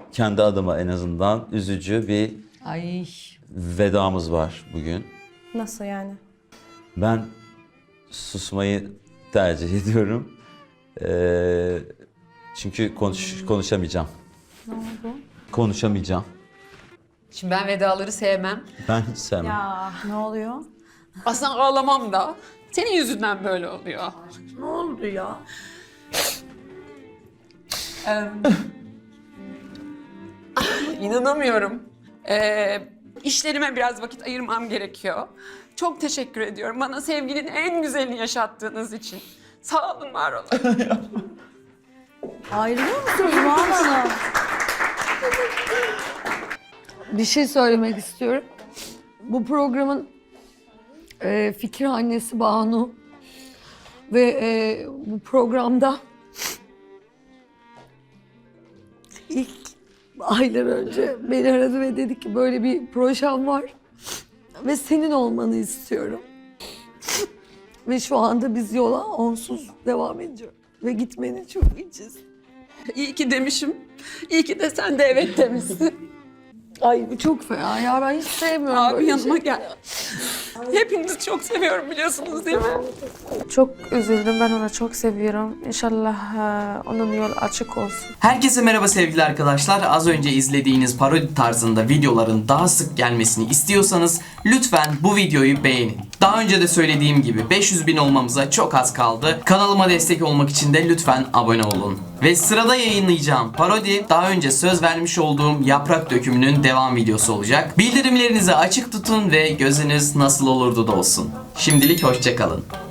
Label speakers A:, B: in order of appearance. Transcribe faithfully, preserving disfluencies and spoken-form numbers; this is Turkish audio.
A: kendi adıma en azından üzücü bir
B: Ay.
A: vedamız var bugün.
C: Nasıl yani?
A: Ben susmayı tercih ediyorum. Ee, çünkü konuş, konuşamayacağım.
C: Ne oldu?
A: Konuşamayacağım.
B: Şimdi ben vedaları sevmem.
A: Ben hiç sevmem.
C: Ya ne oluyor?
B: Aslında ağlamam da. Senin yüzünden böyle oluyor.
C: Ne oldu ya?
B: Ee, İnanamıyorum. Ee, işlerime biraz vakit ayırmam gerekiyor. Çok teşekkür ediyorum bana sevginin en güzelini yaşattığınız için. Sağ olun, var olun.
C: Ayrılıyor musunuz Zuhal Hanım?
D: Bir şey söylemek istiyorum. Bu programın e, fikir annesi Banu ve e, bu programda ilk aylar önce beni aradı ve dedi ki böyle bir projem var ve senin olmanı istiyorum. Ve şu anda biz yola onsuz devam ediyoruz ve gitmeni çok içiz.
B: İyi ki demişim. İyi ki de sen de evet demişsin.
D: Ay bu çok fena ya, ben hiç sevmiyorum
B: Abi
D: böyle
B: yanıma
D: şey.
B: gel. Hepinizi çok seviyorum, biliyorsunuz değil mi?
E: Çok üzüldüm. Ben onu çok seviyorum. İnşallah e, onun yolu açık olsun.
F: Herkese merhaba sevgili arkadaşlar. Az önce izlediğiniz parodi tarzında videoların daha sık gelmesini istiyorsanız lütfen bu videoyu beğenin. Daha önce de söylediğim gibi beş yüz bin olmamıza çok az kaldı. Kanalıma destek olmak için de lütfen abone olun. Ve sırada yayınlayacağım parodi daha önce söz vermiş olduğum Yaprak Dökümü'nün devam videosu olacak. Bildirimlerinizi açık tutun ve gözünüz nasıl olurdu da olsun. Şimdilik hoşça kalın.